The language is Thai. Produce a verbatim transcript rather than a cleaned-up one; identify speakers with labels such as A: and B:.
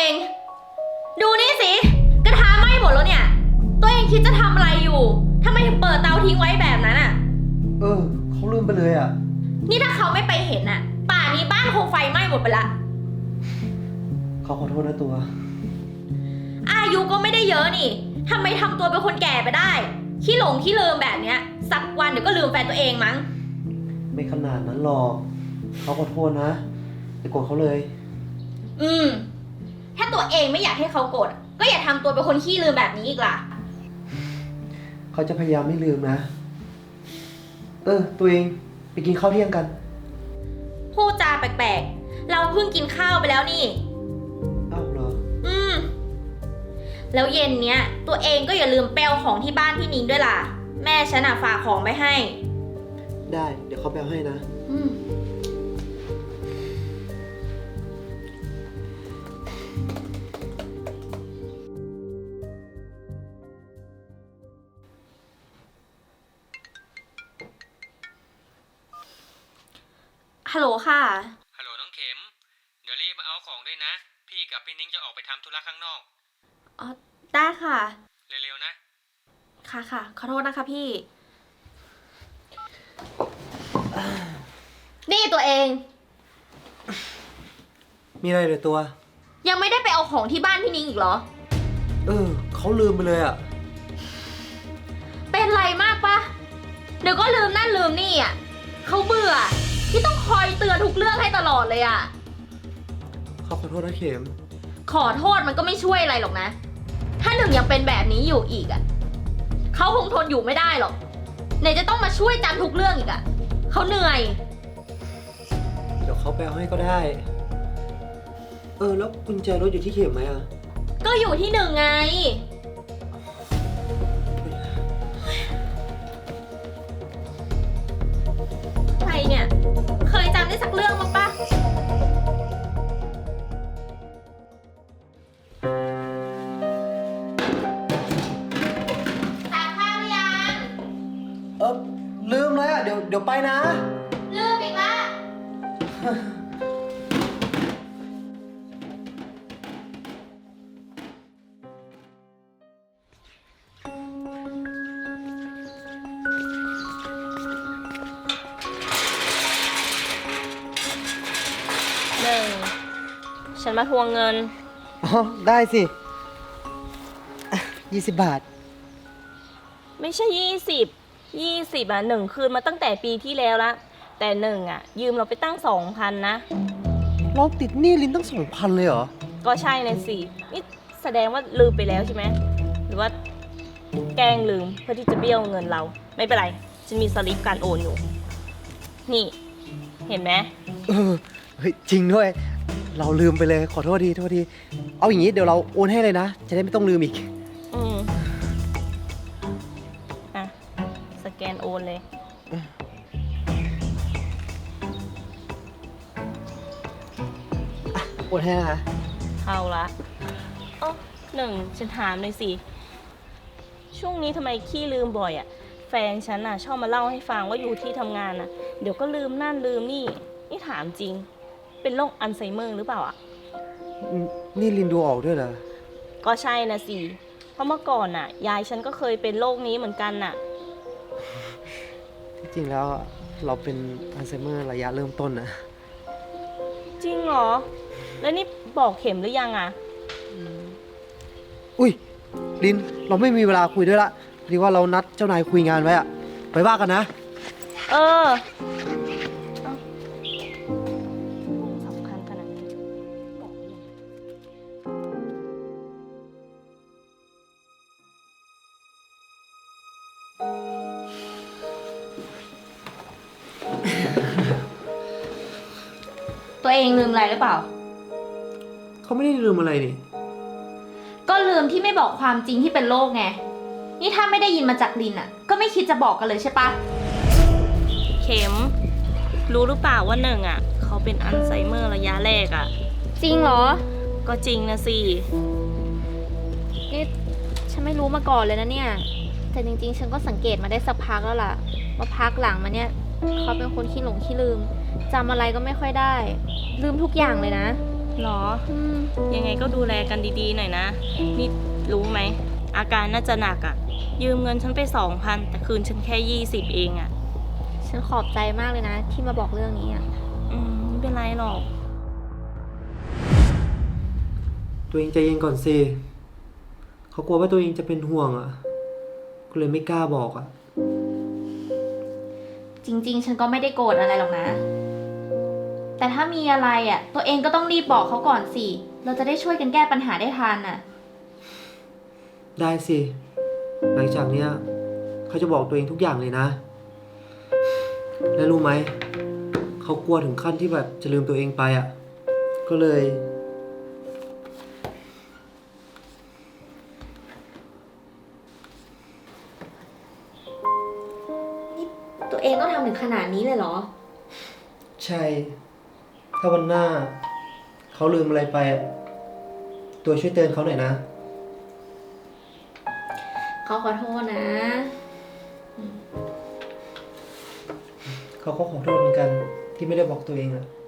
A: ดูนี่สิกระทะไหม้หมดแล้วเนี่ยตัวเองคิดจะทำอะไรอยู่ทำไมถึงเปิดเตาทิ้งไว้แบบนั้นอ่ะ
B: เออเขาลืมไปเลยอ่ะ
A: นี่ถ้าเขาไม่ไปเห็นอ่ะป่านนี้บ้านคงไฟไหม้หมดไปละ
B: เขาขอโทษนะตัว
A: อายุก็ไม่ได้เยอะนี่ทำไมทำตัวเป็นคนแก่ไปได้ขี้หลงขี้ลืมแบบเนี้ยสักวันเดี๋ยวก็ลืมแฟนตัวเองมั้ง
B: ไม่ขนาดนั้นหรอกเขาขอโทษนะอย่าโกรธเขาเลย
A: อืมถ้าตัวเองไม่อยากให้เขาโกรธก็อย่าทำตัวเป็นคนขี้ลืมแบบนี้อีกล่ะ
B: เขาจะพยายามไม่ลืมนะเออตัวเองไปกินข้าวเที่ยงกัน
A: พูดจาแปลกๆเราเพิ่งกินข้าวไปแล้วนี่
B: อ้าวเหรอ
A: อืมแล้วเย็นเนี้ยตัวเองก็อย่าลืมแปลของที่บ้านพี่นิ้งด้วยล่ะแม่ฉันอ่ะฝากของไปให้
B: ได้เดี๋ยวเขาแปลให้นะ
A: อืมฮัลโหลค่ะ
C: ฮัลโหลน้องเข็มเดี๋ยวรีบมาเอาของด้วยนะพี่กับพี่นิ้งจะออกไปทำธุระข้างนอก
A: อ๋อได้ค่ะ
C: เร็วๆนะ
A: ค่ะค่ะขอโทษนะคะพี่นี่ตัวเอง
B: มีอะไรเลยตัว
A: ยังไม่ได้ไปเอาของที่บ้านพี่นิ้งอีกเหรอ
B: เออเขาลืมไปเลยอ่ะ
A: เป็นไรมากปะเดี๋ยวก็ลืมนั่นลืมนี่อ่ะเขาเบื่อที่ต้องคอยเตือนทุกเรื่องให้ตลอดเลยอ่ะ
B: เขาขอโทษนะเข็ม
A: ขอโทษมันก็ไม่ช่วยอะไรหรอกนะถ้าหนึ่งยังเป็นแบบนี้อยู่อีกอ่ะเขาคงทนอยู่ไม่ได้หรอกไหนจะต้องมาช่วยจำทุกเรื่องอีกอ่ะเขาเหนื่อย
B: เดี๋ยวเขาแปลให้ก็ได้เออแล้วกุญแจรถอยู่ที่เข็มไหมอ่ะ
A: ก็อยู่ที่หนึ่งไงใครเนี่ยเคยจำได้สักเรื่องมั้งปะตากข้าวหรือยัง
B: เออลืมเลยอ่ะเดี๋ยวเดี๋ยวไปนะ
A: ลืมอีกละหนึ่งฉันมาทวงเงิน
B: อ๋อได้สิยี่สิบบาท
A: ไม่ใช่ยี่สิบยี่สิบอ่ะหนึ่งคืนมาตั้งแต่ปีที่แล้วละแต่หนึ่งอ่ะยืมเราไปตั้งสองพันนะ
B: เราติดหนี้ลินตั้งสองพันเลยเหรอ
A: ก็ใช่นะสินี่แสดงว่าลืมไปแล้วใช่ไหมหรือว่าแกล้งลืมเพื่อที่จะเบี้ยวเงินเราไม่เป็นไรฉันมีสลิปการโอนอยู่นี่เห็นไหม
B: เออเฮ้ยจริงด้วยเราลืมไปเลยขอโทษทีโทษทีเอาอย่างนี้เดี๋ยวเราโอนให้เลยนะจะได้ไม่ต้องลืมอีก
A: อืมอ่ะสแกนโอนเลย
B: โอนให้นะคะ
A: เข้าละอ๋อหนึ่งฉันถามเลยสิช่วงนี้ทำไมขี้ลืมบ่อยอ่ะแฟนฉันน่ะชอบมาเล่าให้ฟังว่าอยู่ที่ทำงานน่ะเดี๋ยวก็ลืมนั่นลืมนี่นี่ถามจริงเป็นโรคอัลไซเมอร์หรือเปล่าอ่ะ
B: นี่ลินดูออกด้วยเหรอ
A: ก็ใช่นะสิเพราะเมื่อก่อนน่ะยายฉันก็เคยเป็นโรคนี้เหมือนกันน่ะ
B: ที่จริงแล้วเราเป็นอัลไซเมอร์ระยะเริ่มต้นนะ
A: จริงเหรอแล้วนี่บอกเข็มหรือยังอ่ะ
B: อุ้ยลินเราไม่มีเวลาคุยด้วยละพอดีว่าเรานัดเจ้านายคุยงานไว้อะไปว่ากันนะ
A: เออสำคัญขนาดนี้บอกเลยตัวเองลืมอะไรหรือเปล่า
B: เขาไม่ได้ลืมอะไรนี่
A: ก็ลืมที่ไม่บอกความจริงที่เป็นโรคไงนี่ถ้าไม่ได้ยินมาจากลินอ่ะก็ไม่คิดจะบอกกันเลยใช่ปะเข็มรู้หรือเปล่าว่าหนึ่งอ่ะเขาเป็นอัลไซเมอร์ระยะแรกอ่ะจริงเหรอก็จริงนะสินี่ฉันไม่รู้มาก่อนเลยนะเนี่ยแต่จริงๆฉันก็สังเกตมาได้สักพักแล้วล่ะว่าพักหลังมาเนี่ยเขาเป็นคนขี้หลงขี้ลืมจำอะไรก็ไม่ค่อยได้ลืมทุกอย่างเลยนะหรอ
D: อืม
A: ยังไงก็ดูแลกันดีๆหน่อยนะ นี่รู้ไหม อาการน่าจะหนักอะ่ะ ยืมเงินฉันไปสองพันแต่คืนฉันแค่ยี่สิบเองอะ่ะ
D: ฉันขอบใจมากเลยนะ ที่มาบอกเรื่องนี้อ่ะ
A: อืมไม่เป็นไรหรอก
B: ตัวเองใจเย็นก่อนสิเขากลัวว่าตัวเองจะเป็นห่วงอ่ะ ก็เลยไม่กล้าบอกอ่ะ
A: จริงๆ ฉันก็ไม่ได้โกรธอะไรหรอกนะ แต่ถ้ามีอะไรอะ่ะ ตัวเองก็ต้องรีบบอกเขาก่อนสิ เราจะได้ช่วยกันแก้ปัญหาได้ทันน่ะ
B: ได้สิ หลังจากเนี้ยเขาจะบอกตัวเองทุกอย่างเลยนะ และรู้ไหม เขากลัวถึงขั้นที่แบบจะลืมตัวเองไปอ่ะ ก็เลย
D: ตัวเองต้องทำถึงขนาดนี้เลยเหรอ
B: ใช่ ถ้าวันหน้า เขาลืมอะไรไปอะตัวช่วยเตือนเขาหน่อยนะ
D: เขาขอโทษนะ
B: เขาก็ขอโทษเหมือนกันที่ไม่ได้บอกตัวเองอะ